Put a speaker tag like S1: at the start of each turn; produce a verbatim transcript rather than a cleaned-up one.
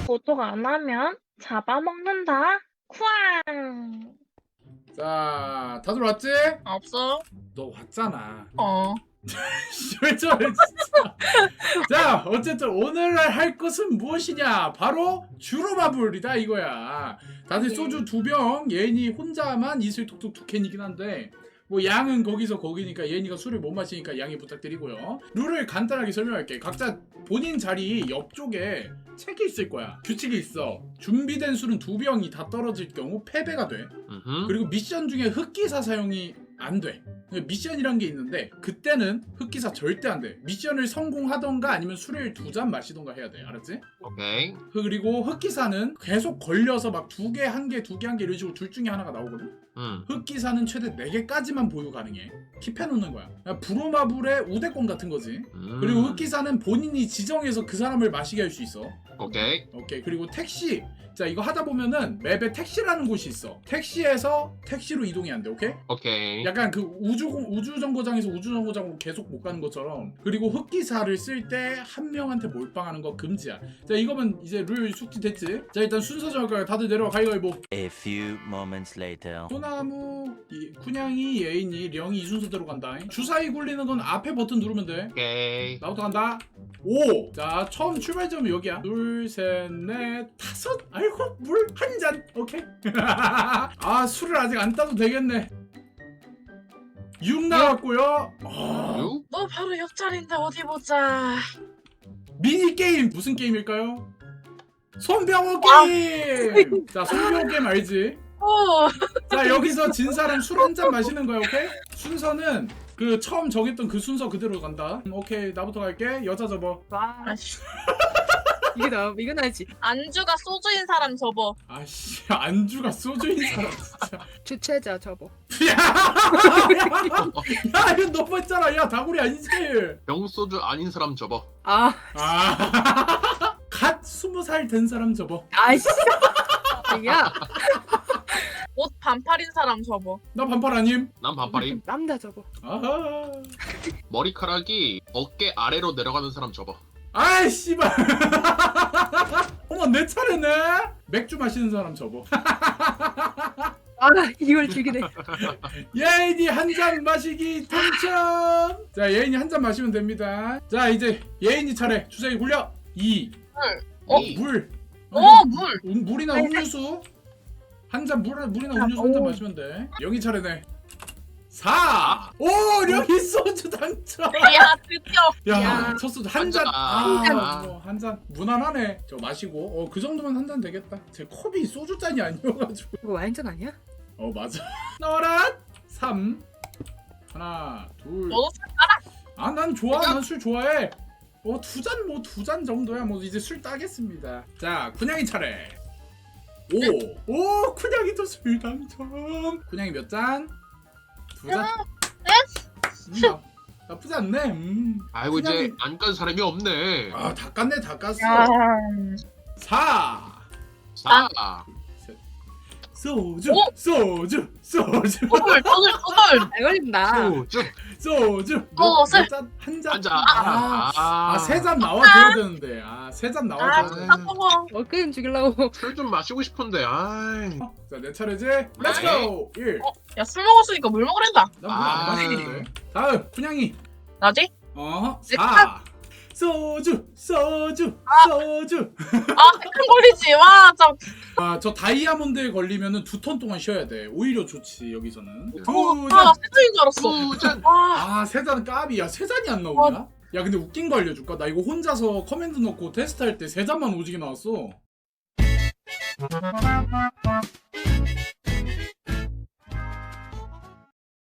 S1: 도둑 안 하면 잡아먹는다. 쿠앙.
S2: 자, 다들 왔지?
S3: 없어?
S2: 너 왔잖아.
S3: 어.
S2: 왜 저래 진짜. 자, 어쨌든 오늘 할 것은 무엇이냐? 바로 주로마블이다 이거야. 다들 소주 두 병, 예인이 혼자만 이슬 톡톡 두 캔이긴 한데 뭐 양은 거기서 거기니까 예인이가 술을 못 마시니까 양해 부탁드리고요. 룰을 간단하게 설명할게. 각자 본인 자리 옆쪽에 책이 있을 거야. 규칙이 있어. 준비된 술은 두 병이 다 떨어질 경우 패배가 돼.
S4: 음흠.
S2: 그리고 미션 중에 흑기사 사용이 안 돼. 미션이란 게 있는데 그때는 흑기사 절대 안 돼. 미션을 성공하던가 아니면 술을 두 잔 마시던가 해야 돼. 알았지?
S4: 오케이.
S2: 그리고 흑기사는 계속 걸려서 막 두 개, 한 개, 두 개, 한 개 이런 식으로 둘 중에 하나가 나오거든?
S4: 음.
S2: 흑기사는 최대 네 개까지만 보유 가능해. 킵해놓는 거야. 그냥 브로마블의 우대권 같은 거지.
S4: 음.
S2: 그리고 흑기사는 본인이 지정해서 그 사람을 마시게 할 수 있어.
S4: 오케이.
S2: 오케이. 그리고 택시. 자, 이거 하다 보면은 맵에 택시라는 곳이 있어. 택시에서 택시로 이동이 안 돼. 오케이?
S4: 오케이.
S2: 약간 그 우주 우주 정거장에서 우주 정거장으로 계속 못 가는 것처럼. 그리고 흑기사를 쓸 때 한 명한테 몰빵하는 거 금지야. 자, 이거면 이제 룰 숙지됐지? 자, 일단 순서 정할까요? 다들 내려와. 가위가위보.
S5: A few moments later.
S2: 소나무, 이, 쿤양이, 예인이, 령이 이 순서대로 간다. 주사위 굴리는 건 앞에 버튼 누르면 돼.
S4: 오케이.
S2: 나부터 간다. 오! 자, 처음 출발점은 여기야. 둘, 셋, 넷, 다섯! 아이고, 물 한 잔! 오케이. 아, 술을 아직 안 따도 되겠네. 육 나왔고요. 아,
S4: 유?
S3: 너 바로 옆자리인데 어디 보자.
S2: 미니게임! 무슨 게임일까요? 손병호 게임! 자, 손병호 게임 알지?
S3: 어.
S2: 자, 여기서 진 사람 술 한 잔 마시는 거야, 오케이? 순서는 그 처음 정했던 그 순서 그대로 간다. 음, 오케이, 나부터 갈게. 여자 접어.
S6: 와
S3: 아씨.
S6: 이게 나 이건 알지.
S3: 안주가 소주인 사람 접어.
S2: 아씨, 안주가 소주인 사람 진짜.
S6: 주최자 접어.
S2: 야, 야, 이거 너무했잖아. 야, 다구리 아니지?
S4: 병소주 아닌 사람 접어.
S6: 아
S2: 아, 갓 스무 살 된 사람 접어.
S6: 아이씨. 야
S3: 옷 반팔인 사람 접어.
S2: 나 반팔 아님?
S4: 난 반팔임.
S6: 남자 접어.
S2: 아하.
S4: 머리카락이 어깨 아래로 내려가는 사람 접어.
S2: 아이 씨발. 어머, 내 차례네. 맥주 마시는 사람 접어.
S6: 아 이걸 죽이네.
S2: 예인이 한 잔 마시기 당첨. 자, 예인이 한 잔 마시면 됩니다. 자, 이제 예인이 차례. 주사위 굴려. 이.
S3: 어?
S4: 이.
S2: 물.
S3: 어, 물.
S2: 음, 물이나 음료수. 한 잔 물, 물이나 음료수 한 잔 마시면 돼. 영희 차례네. 사. 오, 령이 소주 당첨.
S3: 야, 드디어.
S2: 야,
S6: 야.
S2: 첫 소주 한
S4: 한
S2: 잔.
S4: 잔.
S2: 아,
S4: 한
S2: 뭐, 한 잔. 무난하네. 저 마시고. 어, 그 정도면 한 잔 되겠다. 제 컵이 소주 잔이 아니어가지고.
S6: 이거 와인잔 아니야?
S2: 어, 맞아. 나와라. 삼. 하나, 둘.
S3: 너도
S2: 아, 난 좋아. 난 술 좋아해. 어, 두 잔, 뭐, 두 잔 정도야. 뭐, 이제 술 따겠습니다. 자, 쿤양이 차례. 오. 오, 쿤양이도 술 당첨. 쿤양이 몇 잔? 두 잔? 음, 나, 나쁘지 않네. 음.
S4: 아이고
S2: 그냥-
S4: 이제 안 깐 사람이 없네.
S2: 아, 다 깠네, 다 깠어.
S3: 야.
S2: 사.
S4: 사.
S2: 소주,
S3: 오!
S2: 소주, 소주,
S3: 더블, 더블, 더블.
S6: 잘 걸린다.
S4: 소주.
S2: 소주.
S3: 어,
S2: 몇
S3: 세-
S2: 잔? 한 잔?
S4: 한 잔.
S2: 아,
S4: 아,
S2: 아, 세 잔 나와줘야 되는데. 아, 세 잔
S3: 아,
S2: 나와줘야 돼.
S3: 진짜 더블.
S6: 어 게임 죽이려고.
S4: 술좀 마시고 싶은데. 아이.
S2: 자, 내 차례지? 렛츠고! 일.
S3: 어, 야, 술 먹었으니까 물 먹으란다.
S2: 난물안
S4: 아.
S2: 마시는데. 다음, 쿤양이.
S3: 나지?
S2: 어,
S3: 내
S2: 사. 소주, 소주, 소주.
S3: 아, 큰 걸리지. 와, 참.
S2: 아, 저 다이아몬드에 걸리면은 두 턴 동안 쉬어야 돼. 오히려 좋지, 여기서는. 두
S3: 어,
S2: 잔.
S3: 아, 나 세트인 줄 알았어.
S4: 두 잔.
S3: 와.
S2: 아, 세 잔 까비야. 세 잔이 안 나오냐? 야, 근데 웃긴 거 알려줄까? 나 이거 혼자서 커맨드 넣고 테스트할 때 세 잔만 오지게 나왔어.